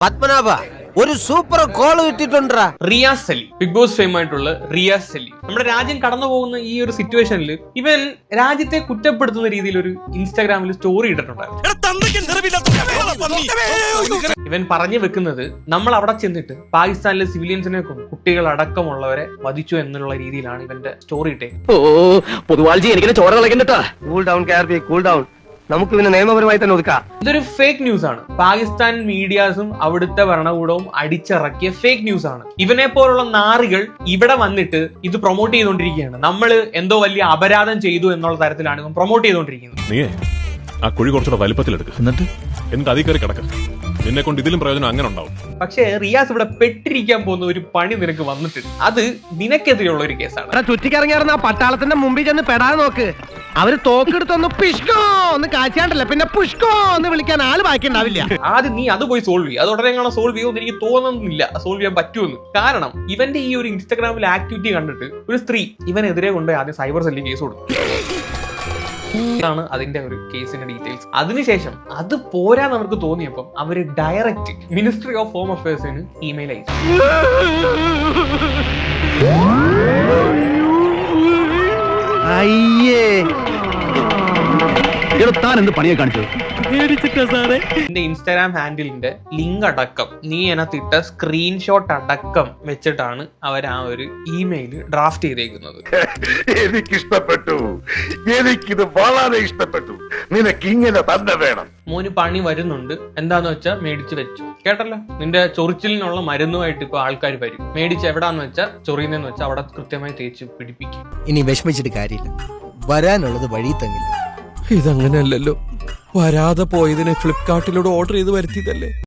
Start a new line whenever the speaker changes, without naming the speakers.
പത്മനാഭ ഒരു super call കിട്ടിട്ടുണ്ടാ.
Riyas Ali, Bigg Boss fame ആയിട്ടുള്ള റിയാസ് അലി. നമ്മുടെ രാജ്യം കടന്നു പോകുന്ന ഈ ഒരു സിറ്റുവേഷനിൽ ഇവൻ രാജ്യത്തെ കുറ്റപ്പെടുത്തുന്ന രീതിയിൽ ഒരു ഇൻസ്റ്റാഗ്രാമിൽ സ്റ്റോറി ഇട്ടിട്ടുണ്ടായിരുന്നു. ഇവൻ പറഞ്ഞു വെക്കുന്നത് നമ്മൾ അവിടെ ചെന്നിട്ട് പാകിസ്ഥാനിലെ സിവിലിയൻസിനെ കൊന്നു, കുട്ടികൾ അടക്കമുള്ളവരെ വധിച്ചു എന്നുള്ള രീതിയിലാണ് ഇവന്റെ സ്റ്റോറി ഇട്ടേ.
Cool down KRP, cool down. നമുക്ക് പിന്നെ നിയമപരമായി തന്നെ ഒതുക്കാം.
ഇതൊരു ഫേക്ക് ന്യൂസ് ആണ്. പാകിസ്ഥാൻ മീഡിയാസും അവിടുത്തെ ഭരണകൂടവും അടിച്ചിറക്കിയ ഫേക്ക് ന്യൂസ് ആണ്. ഇവനെ പോലുള്ള നാറികൾ ഇവിടെ വന്നിട്ട് ഇത് പ്രൊമോട്ട് ചെയ്തുകൊണ്ടിരിക്കുകയാണ്. നമ്മൾ എന്തോ വലിയ അപരാധം ചെയ്തു എന്നുള്ള തരത്തിലാണ് ഇവൻ പ്രൊമോട്ട് ചെയ്തുകൊണ്ടിരിക്കുന്നത്.
നീ ആ കുഴി കുറച്ചുകൂടെ വലിപ്പത്തിലെടുക്കുക, എന്നിട്ട് അതിൽ കയറി കിടക്കുക. നിന്നെ കൊണ്ട് ഇതിലും പ്രയോജനം അങ്ങനെ ഉണ്ടാവും.
പക്ഷേ റിയാസ് ഇവിടെ പെട്ടിരിക്കാൻ പോകുന്ന ഒരു പണി നിനക്ക് വന്നിട്ടുണ്ട്. അത് നിനക്കെതിരെയുള്ള ഒരു കേസാണ്.
ചുറ്റിക്കറങ്ങിയാർന്ന പട്ടാളത്തിന്റെ മുമ്പിൽ ചെന്ന് പെടാതെ നോക്ക്. അവര് തോക്കെടുത്തൊന്ന് പിഷ്കോ ഒന്ന് കാച്ചാണ്ടല്ല, പിന്നെ പുഷ്കോ എന്ന് വിളിക്കാൻ ആള് ബാക്കി ഉണ്ടാവില്ല.
ആദ്യം നീ അത് പോയി സോൾവ് ചെയ്യും. അത് ഉടനെ കാണാൻ സോൾവ് ചെയ്യുമെന്ന് എനിക്ക് തോന്നുന്നില്ല സോൾവ് ചെയ്യാൻ പറ്റുമെന്ന്. കാരണം ഇവന്റെ ഈ ഒരു ഇൻസ്റ്റാഗ്രാമിൽ ആക്ടിവിറ്റി കണ്ടിട്ട് ഒരു സ്ത്രീ ഇവനെതിരെ കൊണ്ട് ആദ്യം സൈബർ സെല്ലിൽ കേസ് കൊടുത്തു. ാണ് അതിന്റെ ഒരു കേസിന്റെ ഡീറ്റെയിൽസ്. അതിനുശേഷം അത് പോരാ നമുക്ക് തോന്നിയപ്പം അവര് ഡയറക്റ്റ് മിനിസ്ട്രി ഓഫ് ഹോം അഫയേഴ്സിന് ഇമെയിൽ അയച്ചു. എന്റെ ഇൻസ്റ്റാഗ്രാം ഹാൻഡിലിന്റെ ലിങ്ക് അടക്കം നീ അതിനകത്തിട്ട സ്ക്രീൻഷോട്ട് അടക്കം വെച്ചിട്ടാണ് അവർ ആ ഒരു ഇമെയിൽ ഡ്രാഫ്റ്റ് ചെയ്തേക്കുന്നത്.
എനിക്കിഷ്ടപ്പെട്ടു, എനിക്കിത് വളരെ ഇഷ്ടപ്പെട്ടു. നിനക്ക് ഇങ്ങനെ തന്നെ വേണം.
മോന് പണി വരുന്നുണ്ട്, എന്താന്ന് വെച്ചാൽ മേടിച്ച് വെച്ചു. കേട്ടല്ലോ, നിന്റെ ചൊറിച്ചിലിനുള്ള മരുന്നുമായിട്ട് ഇപ്പൊ ആൾക്കാർ വരും. മേടിച്ച് എവിടാന്ന് വെച്ചാൽ ചൊറിയുന്നെന്ന് വെച്ചാൽ അവിടെ കൃത്യമായി തേച്ച് പിടിപ്പിക്കും.
ഇനി വിഷമിച്ചിട്ട് കാര്യമില്ല, വരാനുള്ളത് വഴി തങ്ങില്ല.
ഇതങ്ങനെയല്ലല്ലോ, വരാതെ പോയതിനെ ഫ്ലിപ്കാർട്ടിലൂടെ ഓർഡർ ചെയ്ത് വരുത്തിയതല്ലേ.